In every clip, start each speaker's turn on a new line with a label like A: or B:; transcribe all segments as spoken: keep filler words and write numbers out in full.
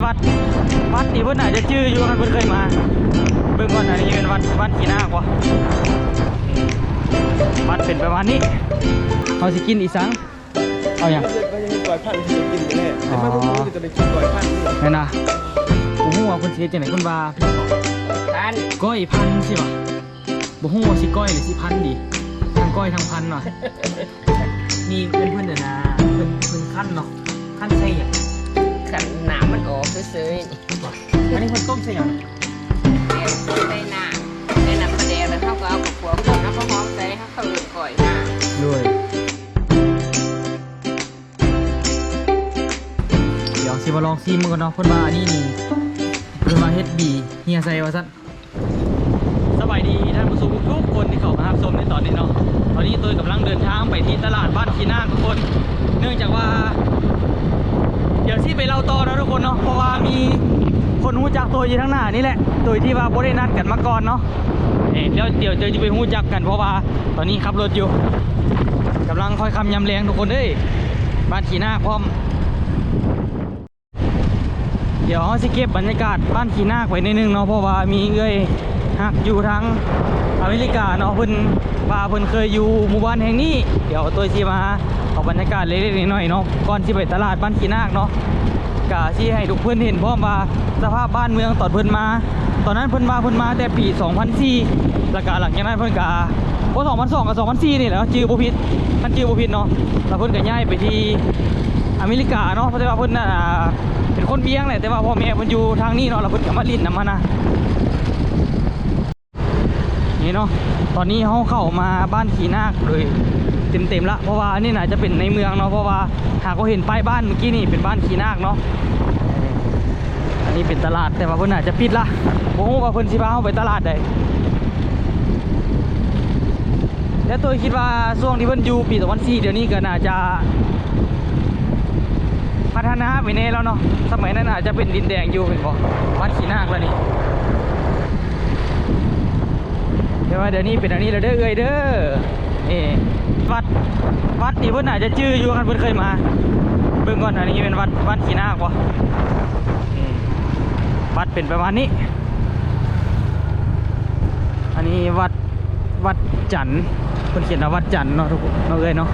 A: วัดวัดที่เพิ่นอาจจะชื่ออยู่คันเพิ่นเคยมาเบิ่งก่อนอันนี้เป็นวัดวัดขี้นาควะวัดเป็นประมาณนี้เขาสิกินอีสังเอาอย่าง
B: ก็ยังมีก้อยพันธุ์ที่จะกินแน่แต่มาพวกนี้จะได้กินก้อยพันธุ์นี่
A: แม่นะบ่ฮู้ว่าเพิ่นสิเฮ็ดจังได๋เพิ่นว่าพันก้อยพันสิวะบ่ฮู้ว่าสิก้อยหรือสิพันดีทั้งก้อยทั้งพันว่ะมีเพิ่นๆน่ะนะเพิ่นเพิ่นคั่นเนาะคั่นใส่หยังคั่นน้ำมันออกซื่อๆอันนี้เพิ่นต้มใส่หยัง
C: ใส่น้ำใส่น้ำปลาแดงแล้วเขาก็เอากับขัวคนแล้วก็หอมใส่เขาเขาเลือกก่อยมา
A: ด้วยเดี๋ยวสิมาลองซีมกันเนาะเพิ่นว่าอันนี้นี่เพิ่นว่าเฮ็ดบีเฮียใส่ว่าซั่นสบายดีท่านผู้ชมทุกคนที่เข้ามารับชมในตอนนี้เนาะตอนนี้ตัวกำลังเดินทางไปที่ตลาดบ้านขี้นาคทุกคนเนื่องจากว่าเดี๋ยวที่ไปเล่าต่อนะทุกคนเนาะเพราะว่ามีคนหู้จักตัวอยู่ทั้งหน้านี่แหละตัวที่ว่าบ่ได้นัดกันมาก่อนเนาะเอ๊ะเดี๋ยวเดี๋ยวเจอจะไปหู้จักกันเพราะว่าตอนนี้ขับรถอยู่กำลังคอยคำยำแรงทุกคนเอ้ยบ้านขี้นาคพร้อมเดี๋ยวสิเก็บบรรยากาศบ้านขี้นาคไว้ในนึงเนาะเพราะว่ามีเอ้ยหักอยู่ทั้งอเมริกาเนาะเพิ่นว่าเพิ่นเคยอยู่หมู่บ้านแห่งนี้เดี๋ยวตัวสิมาเอาบรรยากาศเล็กๆน้อยๆเนาะก่อนที่ไปตลาดบ้านขี้นาคเนาะกะที่ให้ทุกเพื่อนเห็นพร้อมว่าสภาพบ้านเมืองตอนเพิ่นมาตอนนั้นเพิ่นมาเพิ่นมาแต่ปีสองพันสี่แล้วก็หลังจากนั้นเพิ่นกะโอ้สองพันสองกับสองพันสี่นี่แหละชื่อบ่ผิดท่านชื่อบ่ผิดเนาะแล้วเพิ่นก็ย้ายไปที่อเมริกาเนาะเพราะว่าเพิ่นน่ะเป็นคนเบียงแหละแต่ว่าพ่อแม่เพิ่นอยู่ทางนี้เนาะแล้วเพิ่นก็มาลิ้นนำมานะนี่เนาะตอนนี้เฮาเข้ามาบ้านขี้นาคเลยเต็มๆละเพราะว่านี่น่าจะเป็นในเมืองเนาะเพราะว่าหากเราเห็นป้ายบ้านเมื่อกี้นี่เป็นบ้านขี้นาคเนาะอันนี้เป็นตลาดแต่ว่าเพิ่นอาจจะปิดละบ่ฮู้ว่าเพิ่นสิพาเฮาไปตลาดใดแล้วตัวคิดว่าช่วงที่เพิ่นอยู่ปีสองพันสี่เดี๋ยวนี้ก็น่าจะพัฒนาไปแน่แล้วเนาะสมัยนั้นอาจจะเป็นดินแดงอยู่เป็นบ่บ้านขี้นาคแล้วนี่เดี๋ยวว่าเดี๋ยวนี้เป็นอันนี้แล้วเด้อเอ้ยเด้อเอ๊วัดวัดที่เพิ่นอาจจะชื่ออยู่คันเพิ่นเคยมาเบิ่งก่อนอันนี้เป็นวัดวัดขี้นาควะวัดเป็นประมาณนี้อันนี้วัดวัดจันทร์เพิ่นเขียนว่าวัดจันทร์เนาะทุกคนเนาะเอ้ยเนาะ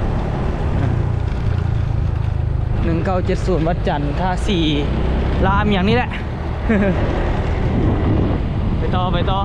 A: หนึ่งเก้าเจ็ดศูนย์วัดจันทร์ท่าสี่รามอย่างนี้แหละ ไปต่อไปต่อ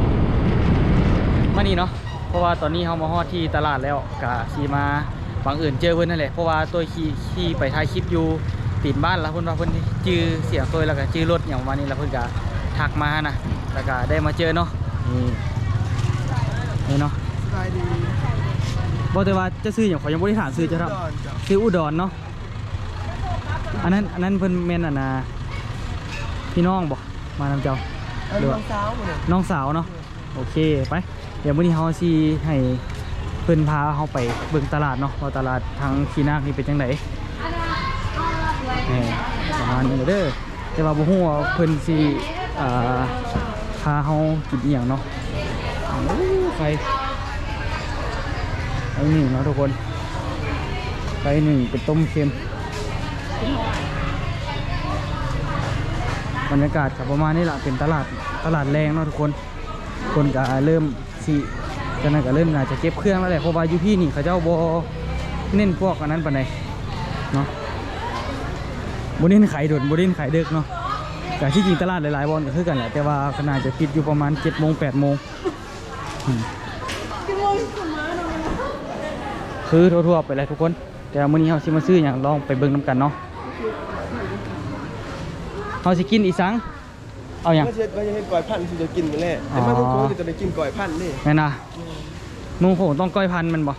A: มานี่เนาะเพราะว่าตอนนี้เขามาฮอดที่ตลาดแล้วกะขี่มาบังเอิญเจอเพื่อนนั่นแหละเพราะว่าตัวขี่ขี่ไปถ่ายคลิปอยู่ตีนบ้านแล้วเพื่อนว่าเพื่อนจื้อเสียงตัวแล้วก็จื้อรถอย่างวันนี้แล้วเพื่อนก็ทักมานะแล้วก็ได้มาเจอเนาะนี่นี่เนาะ
B: สบายดี
A: บอกแต่ว่าจะซื้ออย่างขอยังบริฐานซื้อจะครับซื้ออุดรเนาะอันนั้นอันนั้นเพื่อนเมนอ่ะนะพี่น้องบอกมานำเจ้า
B: น้องสาว
A: น้องสาวเนาะโอเคไปเดี๋ยววันนี้เขาสิให้เพื่อนพาเขาไปเบิ่งตลาดเนาะว่าตลาดทางขี้นาคนี่เป็นจังไดนี่ประมาณนี้เด้อแต่ว่าบ่ฮู้ว่าเพิ่นสิอ่าพาเขากินอีหยังเนาะโอ้ไข่ไข่หนึ่งเนาะทุกคนไข่หนึ่งเป็นต้มเค็มบรรยากาศกับประมาณนี้แหละเป็นตลาดตลาดแรงเนาะทุกคนคนก็เริ่มสิกันนั่นก็เริ่มน่าจะเก็บเครื่องแล้วแหละเพราะว่าอยู่พี่นี่เขาเจ้าโบเน้นพวกอันนั้นปานใดเนาะโบเน้นขายด่วนโบเน้นขายเด็กเนาะแต่ที่จริงตลาดหลายๆบอลก็คือกันแหละแต่ว่าขนาดจะปิดอยู่ประมาณเจ็ดโมงแปดโมงคือทั่วๆไปเลยทุกคนแต่มื้อนี้เราสิมาซื้ออย่างลองไปเบิ่งน้ำกันเนาะเราสิกินอีสังเอาอย่าง
B: ก็จะก็จะให้ก้อยพันธุ์ที่จะกินนี่แหละแต่มาพวกนี้จะได้กินก้อยพันธุ์นี่
A: แม่นะนุ่งผมต้องก้อยพันธุ์มันบ่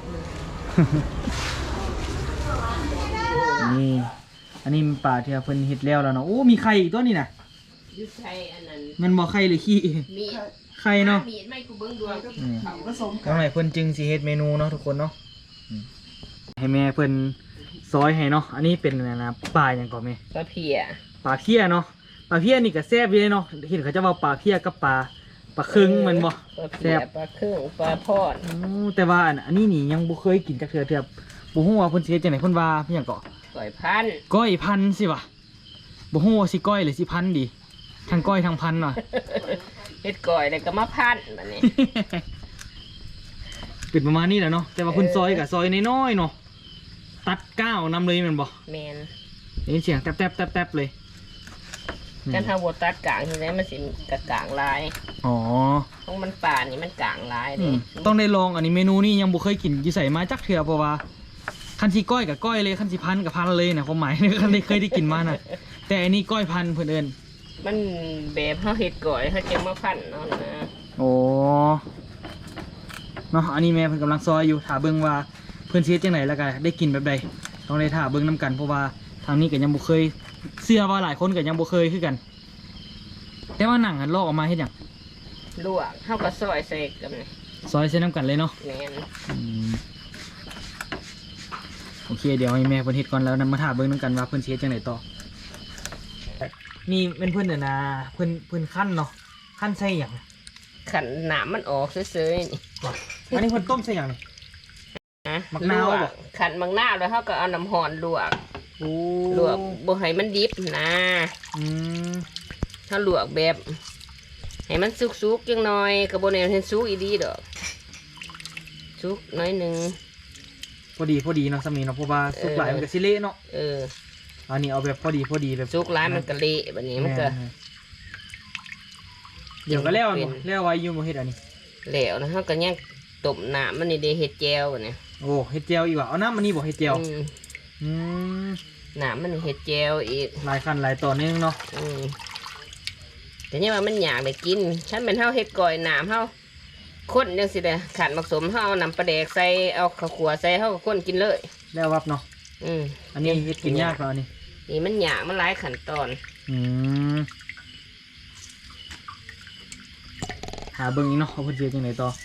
A: นี่อันนี้มันป่าที่เพิ่นเฮ็ดแล้วแล้วเนาะโอ้มีไข่อีกตัวนี้น่ะ
C: ยุดไข่อันนั้น
A: มันบ่ไข่หรือขี้
C: มี
A: ไข่เนาะ
C: มีไม่กูเบิ่งดวงก็เขาผสม
A: ทำไมเพิ่นจึงสิเฮ็ดเมนูเนาะทุกคนเนาะให้แม่เพิ่นซอยให้เนาะอันนี้เป็นอะไรนะปลาอย่างก่อนแม่
C: ปลาเพีย
A: ปลาเพี้ยเนาะปลาเพี้ยนี่ก็แซ่บอยู่เลยเนาะเห็นเขาจะว่าปลาเพี้ยกับปลาปลาครึ่งมันบ่
C: แซ่บปลาครึ่งปลาทอด
A: แต่ว่าอันนี้นี่ยังบ่เคยกินจักเทื่อเทื่อบ่ฮู้ว่าเพิ่นสิเฮ็ดจังได๋เพิ่นว่าเพียงเกาะ
C: ก้อยพัน
A: ก้อยพันสิวะบ่ฮู้ว่าสิก้อยหรือสิพันดีทั้งก้อยทั้งพันว่ะ
C: เฮ็ดก่อยแล้วก็มาพันบัดนี้
A: เป็นประมาณนี้แหละเนาะแต่ว่าเพิ่นซอยกับซอยน้อยๆเนาะตัดก้าวนำเลยแมันบ่
C: แม่น
A: ได้ยินเสียงแต๊บๆๆๆเลยอืม
C: กันถ้าบ่ตัดกลางที่ไหนมันสิกะกลางลาย
A: อ๋อ
C: ของมันป่านี่มันกลางลาย
A: อื
C: เด้
A: มต้องได้ลองอันนี้เมนูนี้ยังบ่เคยกินอยู่ใส่มาจักเทื่อเพราะว่าคันสิก้อยกับก้อยเลยคันสิพันกับพันเลยนะความหมาย คันได้เคยได้กินมาน่ะแต่อันนี้ก้อยพันเพิ่นเอิ้น
C: มันแบบเฮาเฮ็ดก่อยเฮาจึงมาพันเนาะนะ
A: โอ้เนาะอันนี้แม่เพิ่นกำลังซอยอยู่ถ้าเบิ่งว่าเพิ่นสิเฮ็ดจังไดแล้วก็ได้กินแบบใดต้องได้ท่าเบิ่งนํกันเพราะว่าทางนี้ก็ยังบ่เคยเชื่อว่าหลายคนก็ยังบ่เคยคือกัน แต่ว่าหนังอันลอกออกมาเฮ็ดหยัง
C: ลวกเฮาก็ซอยใส่กันนี่
A: ซอยใส่น้ำกันเลยเนาะ
C: แม่น
A: อืมโอเคเดี๋ยวให้แม่เพิ่นเฮ็ดก่อนแล้วนำมาถามเบิ่งนํกันว่าเพิ่นสิเฮ็ดจังไดต่อนี่เป็นเพิ่นน่ะนะเพิ่นเพิ่นคั่นเนาะคั่นใส่หยัง
C: ขันหนามมันออกเฉยๆนี่
A: อันนี้เพิ่นต้มใส่หยังนี่
C: ฮะ
A: มะนาว
C: ล
A: บ่
C: กขันมักนาวแล้วเฮาก็เอาน้ำร้อนลวก
A: โอ้
C: ลวกบ่ให้มันดิบนะ
A: อืม
C: ถ้าลวกแบบให้มันสุกๆจังหน่อยก็บ่แน่นเห็นสุกอีดีดอกสุกน้อยหนึง
A: พอดีพอดีเนาะสามีเนาะเพราะว่าสุกหลายมันก็สิเละเนาะ
C: เออ
A: อันนี้เอาแบบพอดีพอดีแบบ
C: สุกหลายมันก็เละบัดนี้มันก็
A: แเดี๋ยวก็แล้ว
C: เป็
A: บ่
C: น
A: แล้วไว้อยู่บ่เฮ็ดอันนี้
C: แล้วนะเฮาก็ยังต้มน้ำมันนี่ได้เฮ็ดแจ่วบัดนี้
A: โอ้เฮ็ดเจียวอีกว่ะเอาน้ำมันนี่บ่เฮ็ดเจียว
C: อืม
A: อืม
C: น้ำมันนี่เฮ็ดแจ่วอีก
A: หลายขั้นหลายตอนนึงเนาะ
C: อืมแต่เนี่ยว่ามันอยากได้กินฉันเป็นเฮาเฮ็ดก่อยน้ำเฮาคนจังสิเด้อขันมักสมเฮาเอาน้ำปลาแดกใส่เอาข้าวขัวใส่เฮาก็คนกินเลย
A: แล้ววับเนาะ
C: อืม
A: อันนี้เฮ็ดกินยากกว่าอันนี้
C: นี่มันอยากมันหลายขั้นตอน
A: อืมหาเบิ่งอีกเนาะเขาเพิ่นสิเฮ็ดจังไดต่อ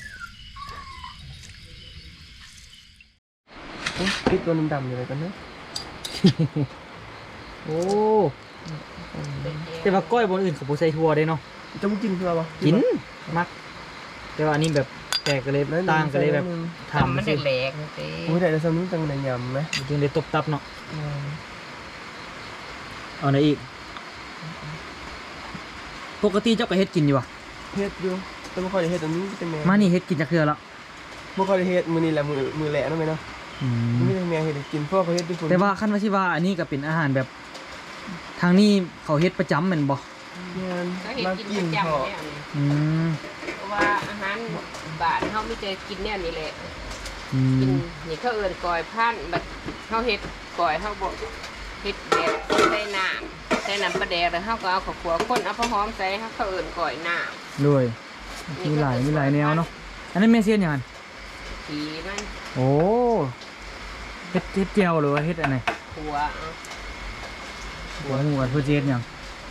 B: พริกตัวดำๆอยู่เลยกันเนาะ
A: โอ้แต่ว่าก้อยบนอื่นเขาบ่ใส่ถั่วเด้เนาะ
B: จะมึงกินเพื่อปะ
A: กินมัก แต่ว่าอันนี้แบบแตกกันเลยต่างกันเลยแบบ
C: ทำมัน
A: สิ
C: แหลกๆนี่สิ
B: โอ้ยแต่จะสนุกจังในยำไหม
A: จึงได้ตบตับเนาะเอาไหนอีก ปกติเจ้าก็เฮ็ดกินอยู่ว่ะ
B: เฮ็ดอยู่แต่ไม่ค่อยได้เฮ็ดอันนี้เป็นแม่
A: มานี่เฮ็ดกินจักเทื่อแล้ว
B: ไม่ค่อยได้เฮ็ดมือนี่แหละมือมือแหละนั่นไหมเนาะ
A: อืม
B: ไม่ได้แม่เฮ็ดให้กินเพราะเขาเฮ็ดด้วยคน
A: แต่ว่าคันว่าสิว่าอันนี้ก็เป็นอาหารแบบ ทางนี้เขาเฮ็ดประจำแม่นบ่
B: งาน
C: ก็เห็น
B: มา
C: กิน
B: กิ
C: ป
B: น
C: ระจำ
B: พอ
C: เนี่ยนี่
A: อืม
C: เพราะว่าอาหารบ้านเฮามีแต่กินเนี่ยนี่แหละ
A: อื
C: กิน
A: ม
C: นี่เขาเอิ้นก่อยพันบัดเฮาเฮ็ดก่อยเฮาบ่เฮ็ดแบบใส่น้ำใส่น้ำปลาแดกแล้วเฮาก็เอาข้าวขัวคนเอาผักหอมใส่เฮาเขาเอิ้นก่อยน้ำ
A: ด้วยมีหลายมีหลายแนวเนาะอันนั้นแม่เซียนหยังอัน
C: ผีมัน
A: โอ้เฮ็ดเฮ็ดแจ่วหรือว่าเฮ็ดอันไหน
C: ขัวเอา
A: หัวหมูกับเพื่อเฮ็ดหยัง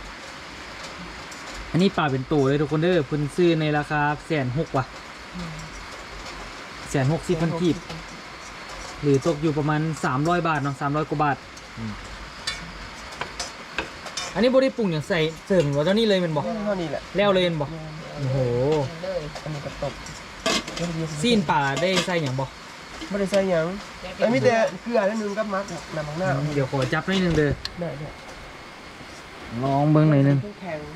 A: อันนี้ปลาเป็นตัวเลยทุกคนเด้อเพิ่นซื้อในราคาแสนหกว่ะแสนหกสิบพันกีบหรือตกอยู่ประมาณสามร้อยบาทเนาะสามร้อยกว่าบาทอันนี้บ่ได้ปรุงอย่างใส่เสริมว่าเท่านี้เลยแมันบ่
B: เท่านี้แหละ
A: แล้วเลยแมันบ่โอ้โห
C: เลย
B: อันนี้ก็ตบ
A: ซีนป่าได้ใส่หยังบ่
B: ไม่ได้ใส่หยังไอ้มีแต่เกลือนิดนึงกับมักน้ำมังหน้า
A: เดี๋ยวขอจับหน่อยหนึงเด้อ
B: ได้ได้
A: ลองเบิ่งหน่อยหนึง
B: แข็ง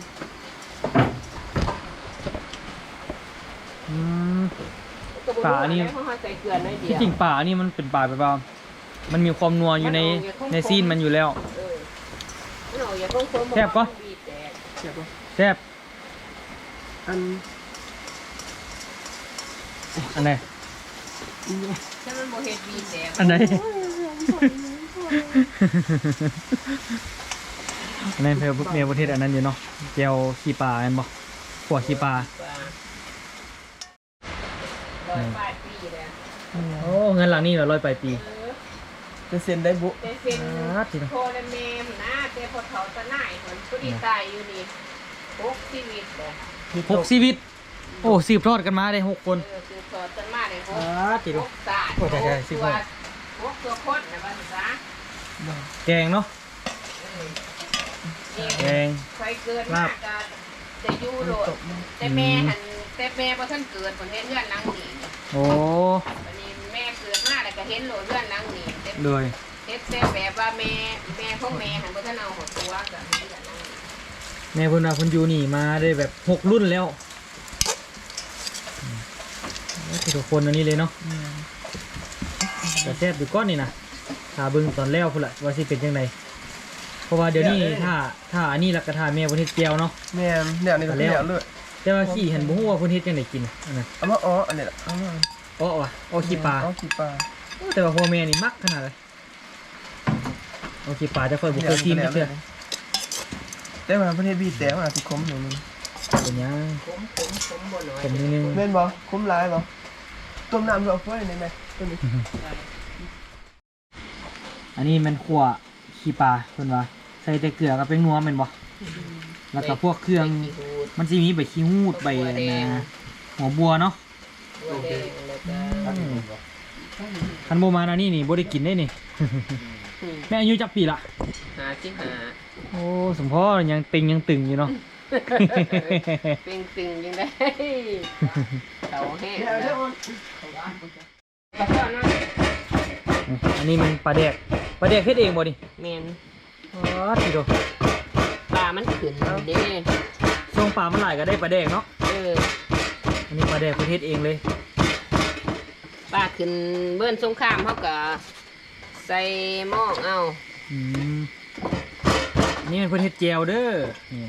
A: อืม
C: ก็บ่รู้
A: ป่านี่
C: ะไรเพราะเฮาใส่เกลือน้อยเดี
A: ที่
C: ยว
A: จริงป่านี่มันเป็นป่าแบบว่ามันมีความนัวอยู่ในในซีนมันอยู่แล้ว
C: เออมันออกอย่าคงๆ
A: แซ่บปะ
C: บีบแตก
B: เจ็บปะ
A: แซ่บ
B: อัน
A: อันไหน
C: ถ้ามันบ่เฮ็ดบีบแตก
A: อันไหนอันนั้นเพื่อเมียประเทศอันนั้นอยู่เนาะแก้วขี้ปลาอันบ่ขวดขี้ปลา
C: ร้อยปลายปีแล้ว
A: โอ้เงินหลังนี่เหรอร้อยปลายปี
C: เออ
B: จะเซ็นได้บุ
C: แต่เซ็น
A: อ่าจริง
C: โทรและเมมนะแต่พอเขาจะหน่ายคนผู้ดีตายอยู่นี่หกชีวิตเลย
A: หกชีวิต โอ้สืบทอดกันมาได้หกคน
C: เออคือสอนจนมาเลยหก
A: อ่าจริง
C: หกศาสตร์
A: โอ้ใช่ใช่สิบ
C: ตัว
A: หก
C: หกตัวคนนะภาษา
A: แกงเนาะ
C: เออ
A: แกง
C: ใครเกิดมากก็จะอยู่โลดแต่แม่หันแต่แม่พอท่านเกิดผลเห็นเลื่อนหลังหนี
A: โอ้
C: วันนี้แม่เกิดมาแล้วก็เห็นโลดเลื่อนหลังหนีแต่
A: เลย
C: แเฮ็ดแซ่บแบบว่าแม่แม่ของแม่หันบ่ทันเอาหัวตัวกับนี่กันนั่น
A: แม่เพิ่นว่าเพิ่นอยู่นี่มาได้แบบหกรุ่นแล้วทุกคนอันนี้เลยเนาะแต่แซ่บอยู่ก้อนนี่นะถ้าเบิ่งตอนแล้วพุ่นละว่าสิเป็นจังไดเพราะว่าเดี๋ยวนี้ถ้าถ้าอันนี้ลักกะทาแม่เพิ่นเฮ็ดแจ่วเนาะ
B: แม่เนี่ยนี่ก็เลี้ยวเลย
A: แต่ว่าขี้เห็นบ่ฮู้ว่าเพิ่นเฮ็ดจังไดกินอันนั้น
B: เอามาอ๋ออันนี้แหละเอามา
A: อ้อว่ะอ้อขี้ปลา
B: อ๋อขี้ปลา
A: แต่ว่าพ่อแม่นี่มักขนาดเลยอ้อขี้ปลาจะค่อยบ่เคยกินจักเทื่อ
B: แต่ว่าประเทศบีแต่ว่าสิคมอยู่นึง
A: เป็นหยัง
C: ขมขมขมบ่น้อย
A: เป็นนิดนึง
B: แม่นบ่คมหลายบ่ต้มน้ำเอาไว้ในแม่ตัวนี้
A: อันนี้มันขั่วขี้ปลาเพิ่นว่าใส่แต่เกลือกับเป็นนัวแม่นบ่แล้วก็พวกเครื่องมันสิมีใบขี้หูดใบอันนะหัวบัวเนาะ
C: บัวแดงแล้วก็
A: คันบ่มาอันนี้นี่บ่ได้กินได้นี่ แม่อายุจักปีละ
C: หาสิหา
A: โอ้สมพ่อยังติงยังตึงอยู่เนาะ
C: เป็นตึงยังได้เตาแห้ง
B: เดี๋ยวเดี๋ยว
C: ปลาทอดเนาะ
A: อันนี้มันปลาแดกปลาแดกเฮ็ดเองบ่นี่
C: แม่น
A: อ๋อทีโด
C: ปลามันขึ้นเด้
A: ช่วงปลามันหลายก็ได้ปลาแดกเนาะ
C: เออ
A: อันนี้ปลาแดกประเทศเองเลย
C: ปลาขึ้นเบิ้นสงครามเขาก็ใส่หม้อเอา
A: อืมอันนี้เป็นประเทศเจลเด้อนี่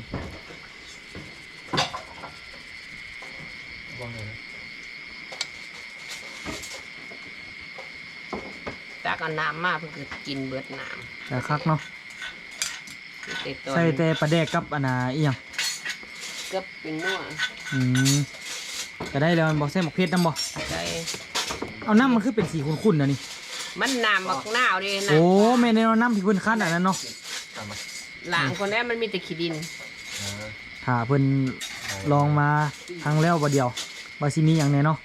C: ตักเอาน้ำมาเพื่อกินเบิดน้
A: แต่คักเนาะ
C: ำแต่ตอน
A: ใส่แต่ปลาแดกกับอันน่ะอีหยัง
C: ก็เป็นนัว
A: อืมก็ได้แล้วมันบอกใส่หมกเพชรน้ำบ่
C: ใส่
A: เอาน้ำมันคือเป็นสีขุ่นๆนะนี่
C: มันน้ำบักหน้าวเดินะ
A: โอ้แม่ในเอาน้ำที่เพิ่นคั้นอันนั้นเนาะ
C: หลังคนนี้มันมีแต่ขี้ดิน
A: ถ้าเพิ่นลองมาครั้งแล้วบ่เดียวว่าสิมีหยังแน่เนาะ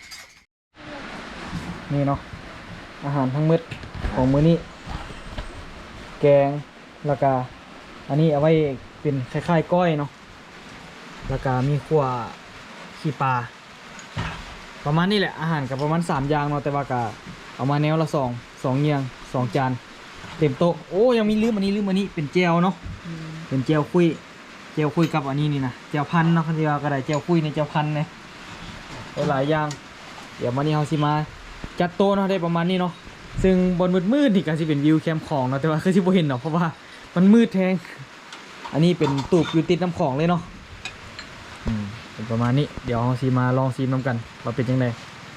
A: นี่เนาะอาหารทั้งมื้อของมื้อนี้แกงแล้วก็อันนี้เอาไว้เป็นคล้ายๆก้อยเนาะแล้วก็มีขั่วขี้ปลาประมาณนี้แหละอาหารกับประมาณสามอย่างเนาะแต่ว่าก็เอามาแนวละสองสองเงียงสองจานเต็มโต๊ะโอ้ยังมีลืมอันนี้ลืมอันนี้เป็นเจลเนาะเป็นเจลคุยเจลคุยกับอันนี้นี่นะเจลพันเนาะคันที่ว่าก็ได้เจลคุยในเจลพันเนี่ยหลายอย่างเดี๋ยวมานี้เฮาสิมาจัดโต๊ะเนาะได้ประมาณนี้เนาะซึ่งบนมืดๆนี่ก็สิเป็นวิวแคมป์ของเนาะแต่ว่าคือสิบ่เห็นเนาะเพราะว่ามันมืดแทงอันนี้เป็นตูบอยู่ติดน้ำของเลยเนาะอืมเป็นประมาณนี้เดี๋ยวเฮาสิมาลองซีมน้ำกันว่าเป็นจังได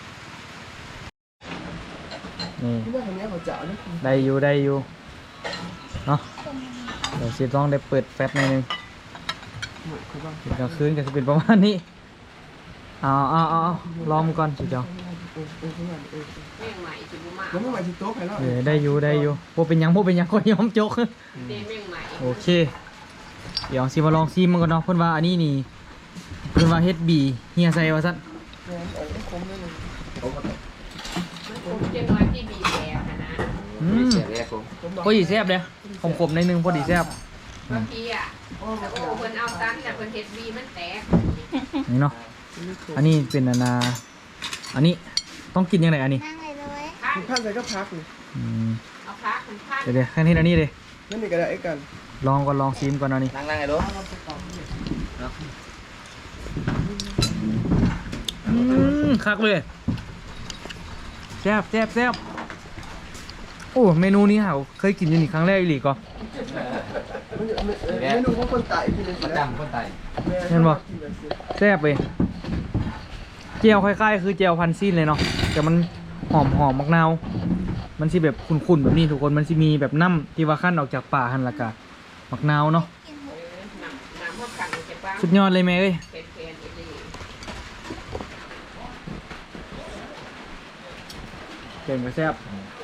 A: นี่
B: ที่ว่าคนนี้เขาจะเอาเนี่ย
A: ได้อยู่ได้อยู่เนาะเดี๋ยวสิต้องได้เปิดแฟลชหน่อยหนึง
B: เขาบ้าง
A: เป็นกลางคืนก็จะเป็นประมาณนี้เอาเอาเอาเอาลองก่อนสิเจ้า
B: เออเออเออเออ
C: แม่งใหม่จิบุมา
B: แล้วเมื่อวานที่โต๊ะใครแล้ว
A: เออได้อยู่ได้อยู่พวกเป็นหยังพวกเป็นหยังคนยอมจก
C: เด้แม่งใหม่
A: โอเค เดี๋ยวสิมาลองซีมมันก่อนเนาะเพิ่นว่าอันนี้นี่เพิ่นว่าเฮ็ดบีเฮียใส่ว่าซั่น
B: แม่นเอาคมเลย
C: มันคงจะน้อยที่บีแซ่บนะนะ
A: อืมพอดีแซ่บเลยขมๆในอยนึงพอดีแซ่บ
C: เมื่อกี้อ่ะแล้วก็เพิ่นเอาตันแต่เพิ่นเฮ็ดบีมันแตก
A: นี่เนาะอันนี้เป็นอันนาอันนี้ต้องกินยังไงอันนี้
D: นั่งเลยเลย
C: พัน
B: พันใส่ก็พักเลย
A: อืม
C: เอาพักมันพัน
A: เดี๋ยวเดี๋ยวแค่นี้อันนี้เลย
B: นั่นนี่ก็ได้ไอ้กัน
A: ลองก่อนลองซีมก่อนอันนี้
E: นั่งนั่งไอ้ลูก
A: อืมคักเลยแซ่บแซ่บแซ่บโอ้เมนูนี้เหาเคยกินอยู่นี่ครั้งแรกอีหลีก็
B: เมนูของคนตายที่เป็น
E: ประจำคนไทย
A: เห็นบ่แซ่บเลยเจียวคล้ายๆคือเจียวพันซีนเลยเนาะแต่มันหอมหอมมักนาวมันสิแบบขุ่นๆแบบนี้ทุกคนมันสิมีแบบน้ำที่ว่าขั้นออกจากป่าหันละกะมักนาวเนาะ
C: น้ำน้ำพวกกันจะบ้าง
A: สุดยอดเลยแม่เอ้ย
C: เป็นแฟนอีหลี
A: เก่งก็แซ่บ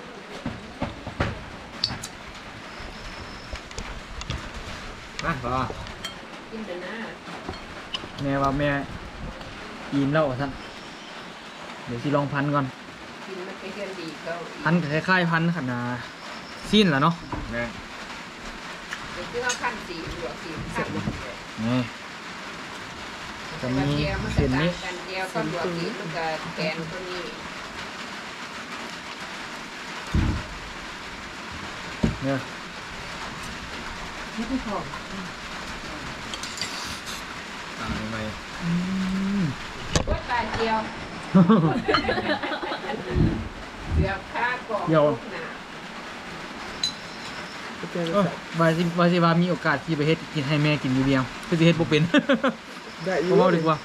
E: มาพอ
C: กินเถอะนะ
A: แม่ว่าแม่อิ่มแล้วท่านเดี๋ยวสิลองพันก่อน
C: กินมันเป็นเรื่องดีเขาอีก
A: พันก็คล้ายๆพันขนาดซีนแหละเนาะ
E: แม่
C: เดี๋ยวคือเอาขั้นสีหัวสีขั้น
A: นี่จะมี
C: เดียวมัน
A: เส้นนี้
C: กันเดียวก็หัวสีมันก็แกนตัวนี้
A: เนี่ย
B: นี่ไม่พอ
E: ตามทำไม
A: อืม
C: ว่าตาเจียวเดี๋ยวข้าก่อนลูกหนา
B: ก็เจอ
A: เออวาสิวาสิว่ามีโอกาสที่ไปเฮ็ดกินให้แม่กินอยู่เดียวคือสิเฮ็ดบ่เป็น
B: ได้อยู่
A: ผมว่าดีกว่า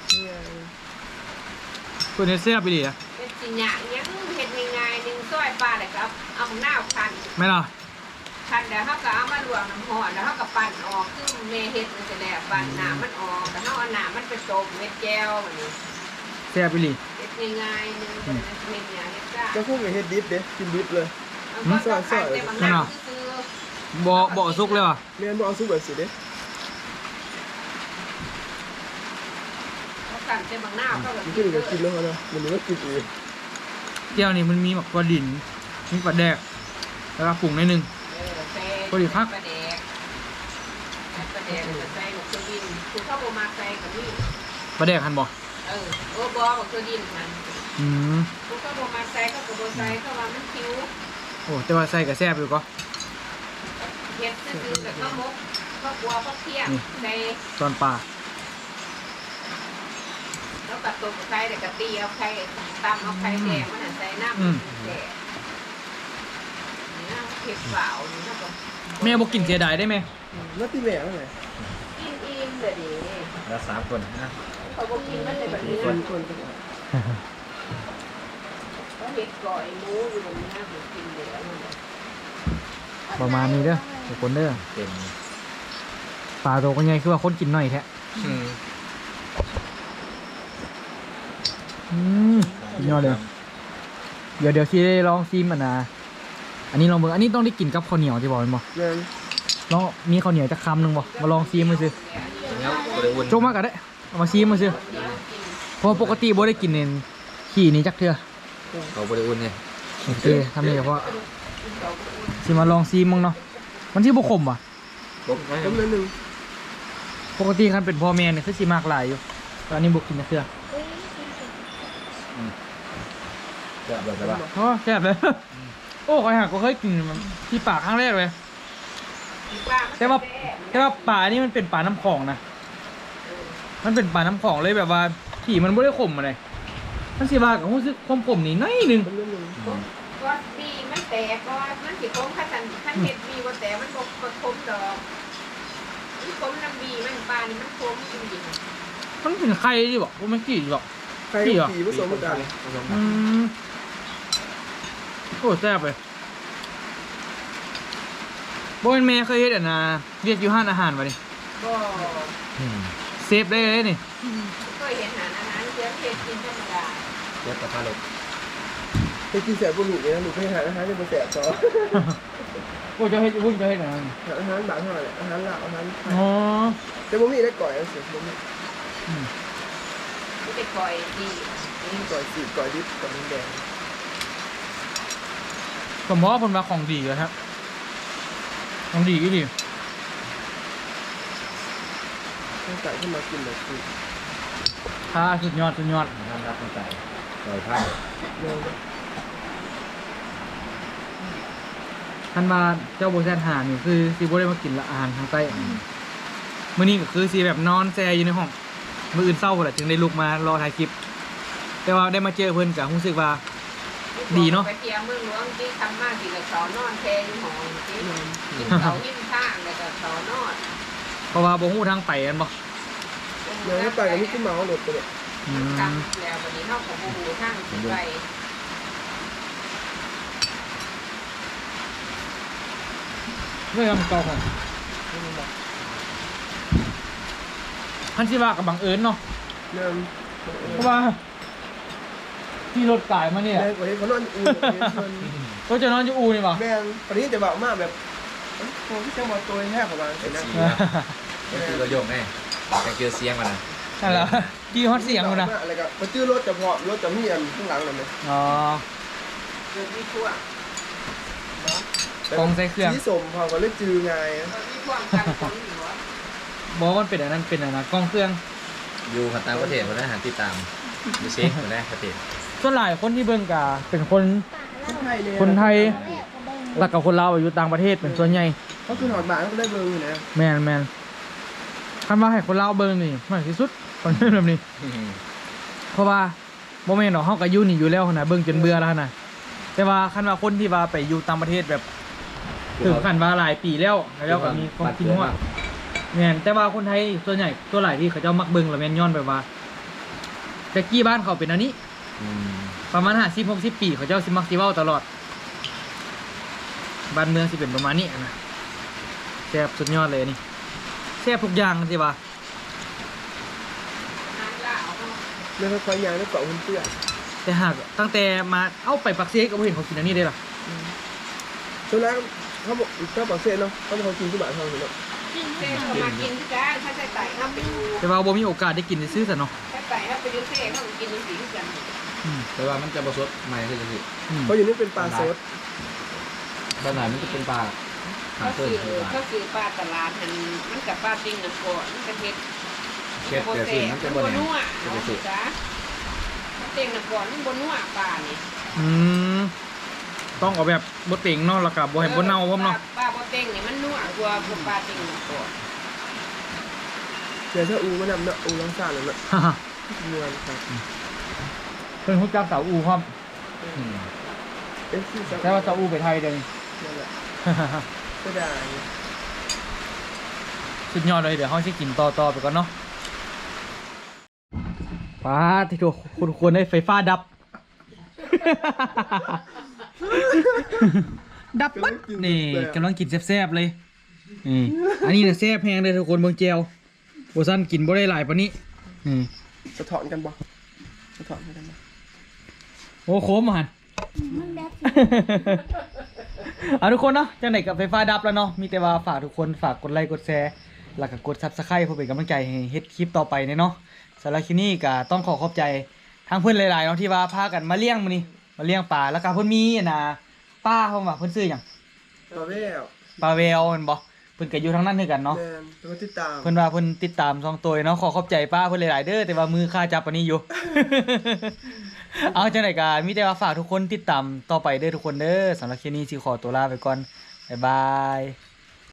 A: เพิ่นเฮ็ดแซ่บไปดิอ่ะ
C: เป็นสิหยางยังเห็ดง่ายๆหนึ่งซอยปลาเลยครับเอาหน้าพัน
A: แม่ล่ะ
C: พันเดี๋ยวเขาก็เอามาลวกน้ำหอนแล้วเขาก็ปั่นออกคือเมเฮ็ดมันจะแหลกปั่นหนามันออกแล้วเขาเอาหนามันไปต้มเม็ดแก้วแบบนี้
A: แซ่บไปดิ
C: เฮ็ดง่ายๆหนึ่งเป็นเม็ดอย่างเฮ็ดจ้า
B: ก็พวกไอ้เฮ็ดดิฟเด้กินดิฟเลย
C: มันก็ขายแต่บางหน้าซื้อ
A: บ่บ่สุกเลยว่ะ
B: เรียนบ่เอาซุปแบบสิเด้
C: เขาสั่งแต่บางหน้าก็แบบ
B: มันขึ้นกับกินแล้วนะมันก็กินอีก
A: แก้วนี่มันมีแบบปลาดินมีปลาแดกแล้วก็ปรุงหนิดนึง
C: เออใส่
A: พอดีพัก
C: ปลาแดกปลาแดกใส่หมกเครื่องดินคือเข้าโบมาใส่กับนี่
A: ปลาแดกหั่นบ่
C: เออโอ้บอกหมกเครื่องดินมัน
A: อืม
C: คือเข้าโบมาใส่ก็กับโบใส่เข้ามามันคิ้ว
A: โอ้แต่ว่าใส่ก็แซ่บอยู่ก็
C: เฮ็ดซื้อๆกับข้าวมกข้าวบัวข้าวเทียมใส่
A: ตอนปลา
C: แล้วกับตัวไข่เด็กกะตีเอาไข่ตำเอาไข่แดงมันใส่น้ำแดงนี่เผ็ดเปล่านี่นะก็
A: แม่บ่กินเสียดายได้ไหม
B: แล้วตีแม่ว่าไง
C: กินอิ่มเลยดิ
E: แล้วสามคนนะ
C: เขาบอกกินมันเลยแบบนี้
B: คนคนก็
C: เขาเห็ดก่อยหมูอยู่แบบนี้ผมกินเหลือมัน
A: ประมาณนี้เด้อทุกคนเด้อ
E: เต็ม
A: ปลาตัวก็ใหญ่คือว่าคนกินหน่อยแท้
E: อืม
A: อืมสุดยอดเลย เดี๋ยวเดี๋ยวซีได้ลองซิมอ่ะนะอันนี้ลองเบิ่งอันนี้ต้องได้กินกับข้าวเหนียวที่บอกมันบ่
B: แม่น
A: ลองมีข้าวเหนียวจะคำหนึ่งบ่มาลองซิมมาซิ
E: แล้วบริวุน
A: โจกมากก็ได้เอามาซิมมาซิเพราะปกติบ่ได้กินเนนขี่นี้จักเทื่อ
E: เขาบริวุนเนี่ย
A: โอเคทำนี่เพราะสิมาลองซิมมึงเนาะมันที่บ่ขมอ่ะ
E: ปุ๊บนะ
B: ต้มนิดนึง
A: ปกติคันเป็นพ่อแม่เนี่ยคือสิมากหลายอยู่แต่อันนี้บ่กินจักเทื่อ
E: จะแบบไหนบ้าง
A: อ๋อแซ่บเลย โอ้คอยหักก็เคยกินมันที่ปากครั้งแรกเลย แต่ว่าแต่ว่าปลานี่มันเป็นปลาน้ำของนะ มันเป็นปลาน้ำของเลยแบบว่าขี่มันไม่ได้ขมอะไรมันสีบากับรู้สึกความขมนี่น้อยหนึง
B: ต้มนิดนึง
C: ก็บีมันแตกก็มันสิคมขั้นขั้นเห็ดบีว่าแตกมันบกคมดอกมันคมน้ำบีมันปลานี่มันคมจริง
A: มันเป็นไข่ดิบอกว่ามันกี่ดิบอก
B: ไข่กับผีผสมกัน
A: อืมโอ้แซ่บเลยโบเป็นแม่เคยเฮ็ดอ่ะนะเรียกอยู่ห้านอาหารมาดิ
C: ๆก็
A: เซฟได้เลยนี่
C: เคยเห็นอาหารอาหารเสียเห็ดกินธรรมดา
E: เจ็บกระทะลง
B: ไปกินแสบบุหรี่เลยนะหนูไปหาอาหารจะมาแสบต่อ
A: โอ้จะเฮ็ดพุ่งจะเฮ็ดอ่ะ
B: หาอาหารบางเท่าไหร่อาหารลาวอาหารไทย
A: อ๋อ
B: แต่บ่มีได้ก่อยเอาเสียบ่มี
A: อืม
C: ไม่ได้คอยดี
B: ก่อยสีก่อยดิบก่อยแดง
A: สมมติว่าผลมาของดีเลยครับของดีก็ดี
B: ต้องใส่ขึ้นมากินแบบสี
A: ค่ะสุดยอดสุดยอด
E: น้ำรับน้ำใส่ปล่อยผ้า
B: เร็ว
A: ท่านมาเจ้าโบแซนหานี่คือซีโบได้มากินละอาหารทางใต้มื้อนี้ก็คือซีแบบนอนแซอยู่ในห้องมื้ออื่นเศร้าแหละจึงได้ลุกมารอถ่ายคลิป แต่ว่าได้มาเจอเพิ่นก็รู้สึกว่า ดีเนาะ
C: ไปเที่ยวเมืองหลวงที่ทำมากที่กับเขานอนแทนหองที่กินเขาหิ้มข้างแล้วก็เขานอน
A: เพราะว่าบ่ฮู้ทางไปกันบ่
B: เดี๋ยวไปกับนี่ขึ้นมาเอาหลดไปเลย
A: อืม
C: ทำแล้ววันนี้เขาของบูทางสิไป
A: เรื่องมันเก่าของท่านสิว่ากับบังเอิญเนาะ
B: เริ่ม
A: เพราะว่าที่รถกายมาเนี่ย
B: แรงกว่าที่เขานอนอู่เพิ่น
A: ก็จะนอนอยู่อูนี่บ่
B: แม่งตอนนี้จะบอกมากแบบโอ้พี่เจ้ามาตัวแทบประมาณ
E: เอ็
B: นี้
E: ก
B: นะ
E: ซีก็คือเราโยกแน่แต่เกลือเสียงมันนะ
A: นั่นแหละกี่ฮอตเสียงกูนะ
B: อะไรกับมาจื้อรถจะพอรถจะมีอันข้างหลังเลยไหม
A: อ๋อ
C: เกิดมีช่วง
A: กองใส่เครื่อง
B: ที่สมพอก็เลยจื้อไง
C: เกิดมีช่วงกันฝนอยู่วะ
A: บอกว่ามันเป็นอันนั้นเป็นอันนั้นกองเครื่อง
E: อยู่ขันต่างประเทศคนนั้นหาติดตามดูซิคนแรกประเทศ
A: ส่วนหลายคนที่เบิ่งกาเป็นคน
B: คนไทยเลย
A: คนไทยแล้วกับคนลาวอยู่ต่างประเทศเป็นส่วนใหญ่
B: เขาคือหอดบาทเขาก็ได้เบอร์อยู่นะ
A: แมนแมนคันว่าให้คนลาวเบิ่งนี่มากที่สุดคนเป็นแบบนี้ เพราะว่าโมเมนต์ของเฮาก็อยู่นี่อยู่แล้วนะเบิ่งจนเบื่อแล้วนะแต่ว่าคันว่าคนที่ว่าไปอยู่ต่างประเทศแบบถึงขั้นว่าหลายปีแล้วแล้วก็มีความคิดว่าแม่นแต่ว่าคนไทยส่วนใหญ่ตัวหลายที่เขาเจ้ามักเบิ่งแล้วแม่นย้อนแบบว่าแต่กี้บ้านเขาเป็นอันนี้
E: อืม
A: ประมาณห้าสิบหกสิบปีเขาเจ้าสิมักสิเว้าตลอดบ้านเมืองสิเป็นประมาณนี้นะแซ่บสุดยอดเลยอันนี่แซ่บทุกอย่างสิว่า
B: แล้วเขาคอยยางแล้วเกาะหุ่นเตี้ย
A: แต่หากตั้งแต่มาเอาไปปักเซก็บ่เห็นเขากินอันนี้ได้หรอ
B: ช่วงนั้นเขาบอกเขาบอกเซ่เนาะเขาบอกเขากินที่บ้านเขาเนาะ
C: กินเซ่เขามากินที่กันถ้าใส่ไต่เขาไปอยู่
A: แต่ว่าบ่มีโอกาสได้กินซื้อซะเนาะ
C: ใส่ไต่เขาไปอยู่เซ่เขากินในสีกัน
A: อืม
E: แต่ว่ามันจะผสมใหม่ขึ้นจะสิ
A: อืม
B: เพราะอยู่นี่เป็นปลาสด
E: บ้านไหนมันจะเป็นปลาหา
C: เขา
E: เติ้ล
C: ซื้อ
E: คือปลา
C: เขาซื้อปลาตลาดมันมันกับปลาติ้งกันก่อนมันกระเทียม
E: เช็ดแต่สิมันจะ
C: บ
E: บ่
C: น
E: แหน
C: นัว
E: จะ
C: เนาะ
E: ไปสิ
C: จ้าเต่งกันก่อนมันบนนัวปลานี่
A: อืมต้องเอาแบบบ่เต็งเนาะแล้วก็บ่ให้บ่เน่าพร้อมเนาะ
C: ปลาบนเต่งนี่มันนัวกว่าปลาติ้งกันก่อน
B: เดี๋ยวถ้าอูมานำเนาะอูล้างซ่าเลยเนาะ
A: ฮ่าฮ่า
B: เงินครับ
A: เพิ่นฮู้จักสาวอูพร้อม
E: อืม
B: เอ๊ะที่จะ
A: แต่ว่าสาวอูไปไทยเด้อนี่
B: นั่นแหละก็ได้
A: สุดยอดเลยเดี๋ยวเฮาสิกินต่อๆไปก่อนเนาะป้าที่ดูคุณควรได้ไฟฟ้าดับ ดับปั๊บนี่กำลังกินแซ่บๆเลยนี่อันนี้เนี่ยแซ่บแพงเลยทุกคนเบิ่งแจวโบซันกินบ่ได้หลายปานนี้นี่
B: สะท้อนกันบ่สะท้อนกันบ่
A: โอ้โคมหัน เอาทุกคนเนาะจังไหนกับไฟฟ้าดับแล้วเนาะมีแต่ว่าฝากทุกคนฝากกดไลค์กดแชร์แล้วก็กด Subscribe เพื่อเป็นกำลังใจให้เฮ็ดคลิปต่อไปเนาะสำหรับคลิปนี้ก็ต้องขอขอบใจทางเพื่อนหลายๆเนาะที่ว่าพากันมาเลี้ยงมื้อนี้มาเลี้ยงปลาแล้วก็เพิ่นมีอันน่ะป้าเพิ่นว่าเพิ่นซื้อหยัง
B: ต่อแวว
A: ปลาแววแม่นบ่เพิ่นก็อยู่ทางนั้นคือกันเนาะ
B: แมนแล้วก็ติดตาม
A: เพิ่นว่าเพิ่นติดตามสองตัวเนาะขอขอบใจป้าเพิ่นหลายๆเด้อแต่ว่ามือค่าจับอันนี้อยู่ เอาจังได๋ก็มีแต่ว่าฝากทุกคนติดตามต่อไปเด้อทุกคนเด้อสำหรับคลิปนี้สิขอตัวลาไปก่อนบ๊ายบาย